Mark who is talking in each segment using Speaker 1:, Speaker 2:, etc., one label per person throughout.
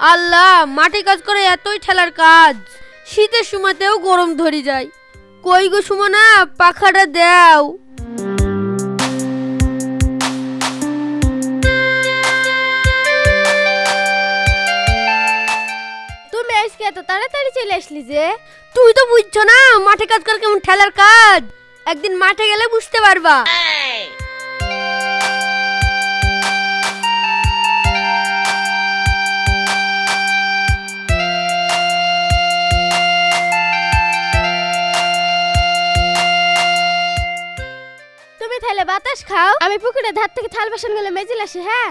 Speaker 1: আল্লাহ, মাঠে কাজ করে এতই ঠেলার কাজ, শীতের সময়তেও গরম ধরে যায়। কই গো সুমনা, পাখাটা দাও।
Speaker 2: তুমি আজকে এত তাড়াতাড়ি চলে আসলি যে?
Speaker 1: তুই তো বুঝছো না মাঠে কাজ করে কেমন ঠেলার কাজ, একদিন মাঠে গেলে বুঝতে পারবা।
Speaker 2: তুমি তাহলে বাতাস খাও, আমি পুকুরের ধার থেকে থাল বাসন গুলো মেজে আসি। হ্যাঁ,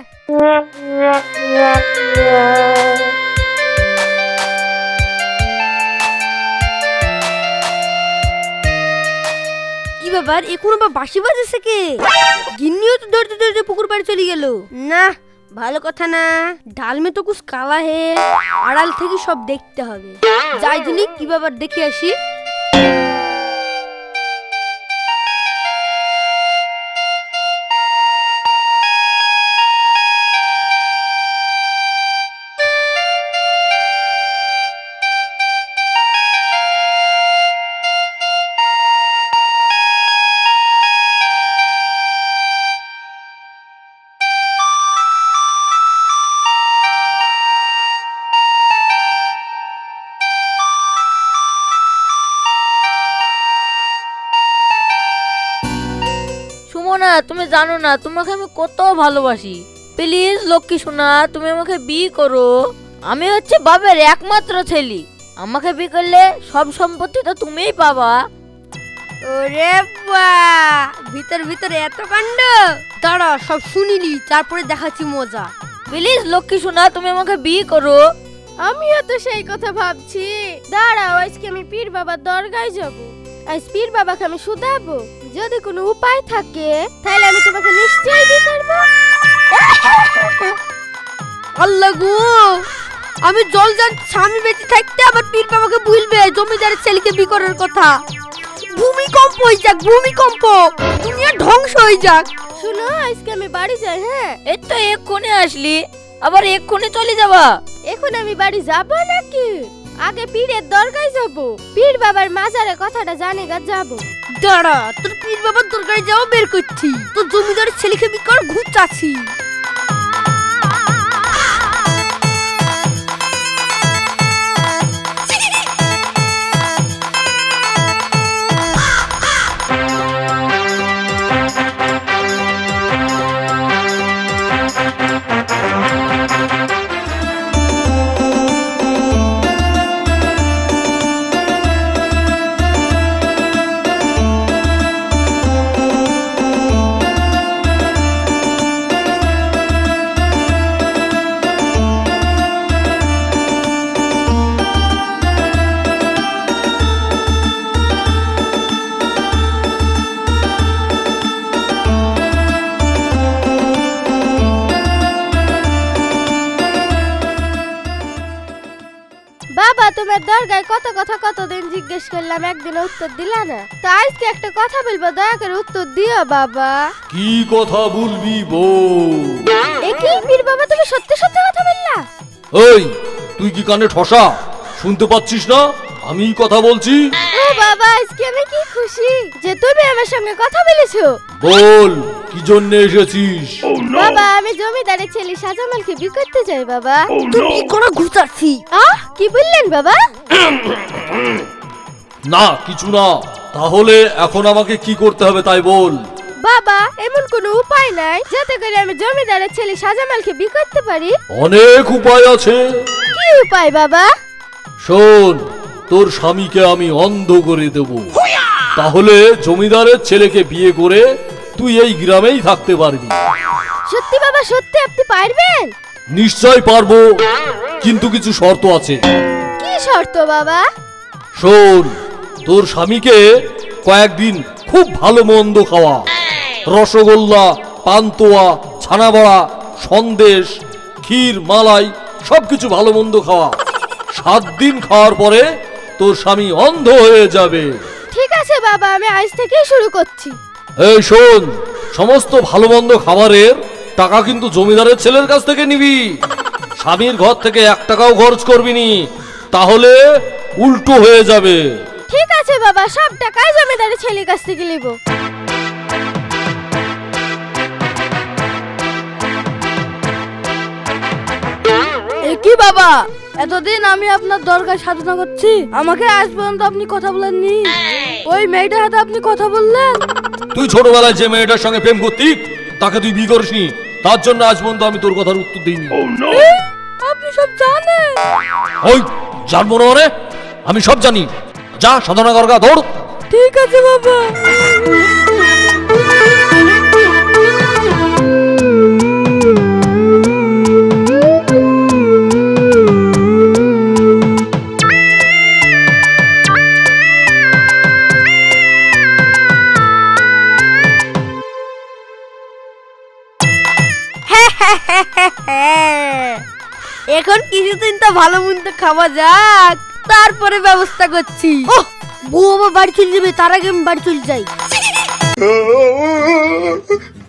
Speaker 1: কি ব্যাপার, এখন আবার বাঁশি বাজেছে কে? গিন্নিও তো ধরতে ধরতে পুকুর পাড়ে চলে গেল। না, ভালো কথা না, ডাল মে তো কুছ কালা হে, আড়াল থেকে সব দেখতে হবে। যাই দিনই কি ব্যাপার দেখে আসি।
Speaker 3: সুমনা, তুমি জানো না তোমাকে আমি কত ভালোবাসি। প্লিজ লক্ষ্মী সোনা, তুমি আমাকে বিয়ে করো। আমি হচ্ছে বাবার একমাত্র ছেলে, আমাকে বিয়ে করলে সব সম্পত্তি তো তুমিই পাবা।
Speaker 1: ওরে বা, ভিতর ভিতর এত কাণ্ড। দাঁড়া, সব শুনিলি, তারপরে দেখাচ্ছি মজা।
Speaker 3: প্লিজ লক্ষ্মী সোনা, তুমি আমাকে বিয়ে করো।
Speaker 2: আমিও তো সেই কথা ভাবছি। দাঁড়াও, আজকে আমি পীর বাবার দরগায় যাব। আজ পীর বাবাকে আমি শুধাবো, যদি কোনো উপায় থাকে তাহলে আমি তোমাকে নিশ্চয়ই বিয়ে করব।
Speaker 1: আল্লাহ গো, আমি জল যান স্বামী বেঁচে থাকতে আবার পীর বাবাকে ভুলবে জমিদারের ছেলেকে বিয়ে করার কথা। ভূমিকম্প হয়ে যাক, ভূমিকম্প, দুনিয়া ধ্বংস হয়ে যাক।
Speaker 2: শুনো, আজকে আমি বাড়ি যাই। হ্যাঁ,
Speaker 3: এই তো এক্ষুনি আসলি, আবার এক্ষুনি চলে যাবা?
Speaker 2: এখন আমি বাড়ি যাব নাকি? আগে পীরের দরগায় যাব, পীর বাবার মাজারে কথাটা জানে গা যাব।
Speaker 1: দাঁড়া, তোর পীর বাবার দরকারে যাও বের করছি, তোর জমিদারের ছেলেকে বিয়ে কর ঘুরতাছি।
Speaker 2: বাবা, তোমার দরগায় কত কথা কতদিন জিজ্ঞেস করলাম, একদিন উত্তর দিলা না। তো আজকে একটা কথা বলবো, দয়া করে উত্তর দিও বাবা।
Speaker 4: কি কথা বলবি বল?
Speaker 2: একই পীর বাবা, তুমি সত্যি সত্যি কথা বললা?
Speaker 4: এই, তুই কি কানে ঠসা শুনতে পাচ্ছিস না? আমি কথা বলছি।
Speaker 2: ও বাবা, আজকে আমি কি খুশি যে তুমি আমার সঙ্গে কথা বলেছো।
Speaker 4: বল, কি জন্য এসেছিস?
Speaker 2: বাবা, আমি জমিদারের ছেলে শাহজামালকে বিয়ে করতে চাই বাবা।
Speaker 1: তুই বিয়ে করা ঘুরতাছি।
Speaker 2: কি বললেন বাবা?
Speaker 4: না, কিছু না। তাহলে এখন আমাকে কি করতে হবে তাই বল।
Speaker 2: বাবা, এমন কোনো উপায় নাই যাতে করে আমি জমিদারের ছেলে শাহজামালকে বিয়ে করতে পারি?
Speaker 4: অনেক উপায় আছে।
Speaker 2: কি উপায় বাবা?
Speaker 4: শোন, তোর স্বামীকে আমি অন্ধ করে দেব, তাহলে জমিদারের ছেলেকে বিয়ে করে তুই এই গ্রামেই থাকতে পারবি।
Speaker 2: সত্যি বাবা, সত্যি আপনি পারবেন?
Speaker 4: নিশ্চয় পারবো, কিন্তু কিছু শর্ত আছে।
Speaker 2: কি শর্ত বাবা?
Speaker 4: শোন, তোর স্বামীকে কয়েকদিন খুব ভালো মন্দ খাওয়া, রসগোল্লা, পান্তুয়া, ছানাবড়া, সন্দেশ, ক্ষীর, মালাই সবকিছু ভালো মন্দ খাওয়া। 7 দিন খাওয়ার পরে তোর স্বামী অন্ধ হয়ে যাবে।
Speaker 2: ঠিক আছে বাবা, আমি আজ থেকেই শুরু করছি।
Speaker 4: এই শোন, সমস্ত ভালো মন্দ খাবারের টাকা কিন্তু জমিদারের ছেলের কাছ থেকে নিবি। স্বামীর ঘর থেকে 1 টাকাও খরচ করবি নি, তাহলে উল্টো হয়ে যাবে।
Speaker 2: ঠিক আছে বাবা, সব টাকাই জমিদারের ছেলের কাছ থেকে নিব।
Speaker 1: কি বাবা, এতদিন আমি আপনার দরকার সাধনা করছি, আমাকে আজ পর্যন্ত আপনি কথা বলেননি। ওই মেয়েটার হাতে আপনি কথা বললেন।
Speaker 4: তুই ছোটবেলায় যে মেয়েটার সঙ্গে প্রেম করতি তাকে তুই বিয়ে করিসনি, তার জন্য আজ পর্যন্ত আমি তোর কথার উত্তর দিইনি।
Speaker 1: আপনি সব জানেন?
Speaker 4: ওই জানবো না মানে? আমি সব জানি। যা সাধনা করগা, দৌড়।
Speaker 1: ঠিক আছে বাবা। এখন কিছুদিন তো ভালো মন্দ খাওয়া যাক, তারপরে ব্যবস্থা করছি। ওহ, বউ আবার বাড়ি চলে যাবে, তার আগে আমি বাড়ি চলে যাই।